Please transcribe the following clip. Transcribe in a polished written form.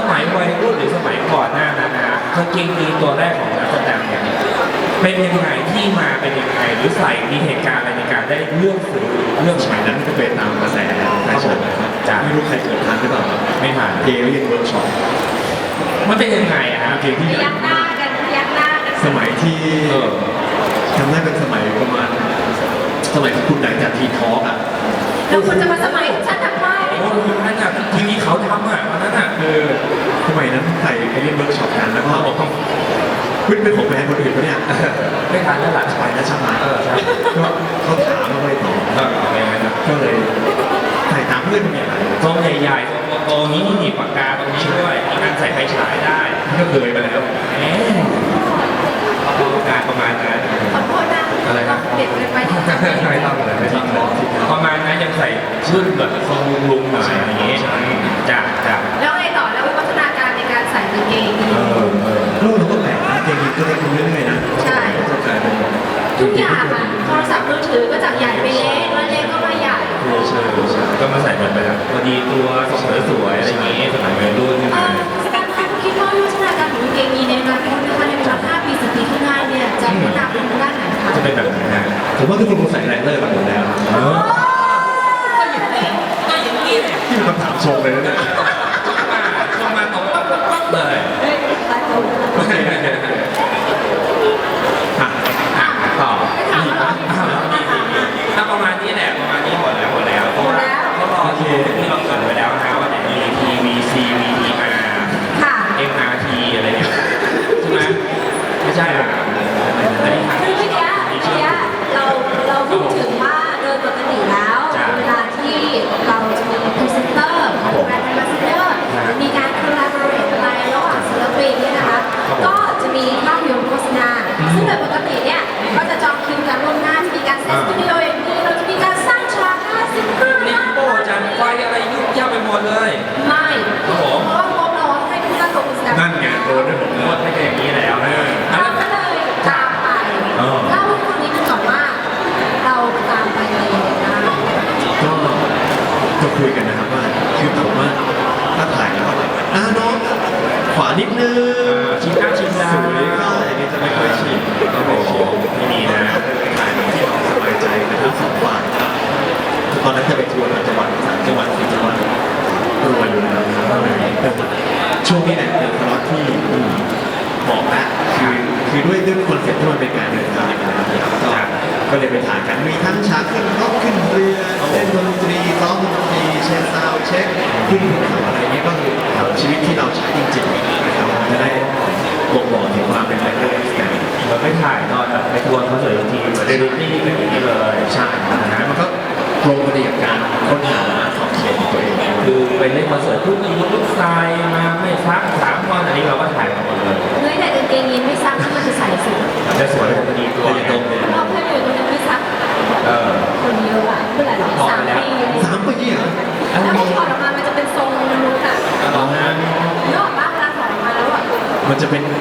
มัยวัยรุ่นหรือสมัยก่อนหน้านั้นนะกางเกงยีนตัวแรกของนักแสดงเนี่ยเป็นยังไงที่มาเป็นยังไงหรือใส่มีเหตุการณ์อะไรในการได้เลือกซื้อเรื่องสมัยนั้นก็เป็นตามกระแสแฟชั่นนะครับไม่รู้ใครเกิดทันหรือเปล่าไม่ผ่านเกย์เรียนเวิร์กช็อปมันเป็นยังไงอะครับเกย์ที่ใหญ่ยักหน้ากันยักหน้ากันสมัยที่จำได้เป็นสมัยประมาณสมัยที่คุณไหนจากทีทอล์กอ่ะแล้วคุณจะมาสมัยฉันทำไมโอ้โหนั่นอะทีวีเขาทำอะวันนั้นอะสมัยนั้นใส่ไปเรียนเวิร์กช็อปกันแล้วก็ต้องเป็นของแบรนด์คนอื่นปะเนี่ยไม่ทันแล้วล่ะไปแล้วใช่ไหมใช่ก็เขาถามมาไปต่ออะไรอย่างเงี้ยนะก็เลยใส่ตามเพื่อนเนี่ยซองใหญ่ๆโตๆนี้มีหนีบปากกาตรงนี้ด้วยมีการใส่ไฟฉายได้ก็เคยไปแล้วเอ๊ะเอาปากกาประมาณนั้นขอโทษนะอะไรนะเด็กเกินไปที่จำไม่ได้ไม่ต้องเลยไม่ต้องเลยประมาณนั้นยังใส่ชุดแบบทรงลุงๆหน่อยอย่างงี้จ้ะแล้วไงต่อแล้ววิวัฒนาการในการใส่กางเกงยีนลูกเราก็แปลกนะเกมนี้ก็เล็กขึ้นเรื่อยๆนะใช่ก็กลายเป็นทุกอย่างอะโทรศัพท์มือถือก็จากใหญ่ไปเล็กแล้วเล็กก็มาใหญ่ใช่ก็มาใส่แบบพอดีตัวสวยๆอะไรอย่างงี้สมัยวัยรุ่นขึ้นมาสการคะคิดว่าวิวัฒนาการของกางเกงยีนในอนาคตนะคะในเวลา5 ปี 10 ปีข้างหน้าเนี่ยจะพัฒนาไปทางด้านไหนคะจะเป็นแบบไหนฮะผมว่าทุกคนคงใส่แรงเลอร์กันหมดแล้วก็อย่างนี้ก็อย่างนี้ที่มันคำถามทรงเลยนะเนี่ยเข้ามาตรงปั๊บเลยเฮ้ยตายแล้วต่อถ้าประมาณนี้แหละประมาณนี้หมดแล้วเพราะว่าก็ที่เราเกิดไว้แล้วนะว่ามี TVC VTR ค่ะ MRT อะไรเนี่ยใช่ไหมไม่ใช่หรออันนี้คือเมื่อกี้เราพูดถึงว่าโดยปกติแล้วเวลาที่เราจะมีพรีเซนเตอร์แบรนด์แอมบาสเดอร์มีการคอลลาบอร์เรทอะไรระหว่างศิลปินเนี่ยนะคะก็จะมีภาพยนตร์โฆษณาซึ่งโดยปกติเนี่ยก็จะจองคิวกันล่วงหน้าจะมีการเซตสตูดิโออย่างนี้เราจะมีการสร้างฉาก55 นิโป้จันไฟอะไรยุ่งยากไปหมดเลยไม่เพราะว่างบเราให้ทุกท่านลงแสดงนั่นไงโดนได้หมดหเลมยดไม่ใช่อย่างนี้แล้วนะเราก็เลยตามไปเล่าให้คนนี้กันก่อนว่าเราตามไปอะไรยังไงบ้างก็คุยกันนะครับว่าคือผมว่าถ้าถ่ายแล้วก็น้องขวานิดนึงชิมหน้าชิมดาสวยก็อะไรนี้จะไม่ค่อยชินโอ้โหไม่ดีนะถ่ายที่เราสบายใจนะครับสองฝ่ายตอนนั้นจะไปทัวร์ต่างจังหวัด3 จังหวัด4 จังหวัดรวยอยู่แล้วช่วงนี้แหละเป็นคอร์สที่บอกนะคือด้วยคอนเซ็ปต์ที่มันเป็นการเดินทางนะครับก็เลยไปถ่ายกันมีทั้งฉากขึ้นรถขึ้นเรือเล่นดนตรีซ้อมดนตรีเช็คซาวด์เช็คขึ้นเขาอะไรเงี้ยก็คือชีวิตที่เราใช้จริงๆนะครับจะได้บ่งบอกถึงความเป็นแบงค์เดอร์สเราไปถ่ายตอนแบบไปทัวร์คอนเสิร์ตทีเหมือนดูนี่เป็นอย่างนี้เลยใช่นะมันก็ตรงพอดีกับการค้นหาขอบเขตของตัวเองคือไปเล่นคอนเสิร์ตทุกทีทุกสไตล์มาไม่ซัก3 วันอันนี้เราก็ถ่ายมาหมดเลยเฮ้ยแต่กางเกงยีนไม่ซักมันจะใส่สุดมันจะสวยพอดีตัวตัวตรงเลยรอบเพื่อนอยู่ตรงนี้ไม่ซัก คนเยอะอะเมื่อไหร่หรอ3 ปี 3 ปีเหรอแล้วพอถอดออกมามันจะเป็นทรงมนุษย์อะตอนนั้นนึกออกปะเวลาถอดออกมาแล้วอะมันจะเป็น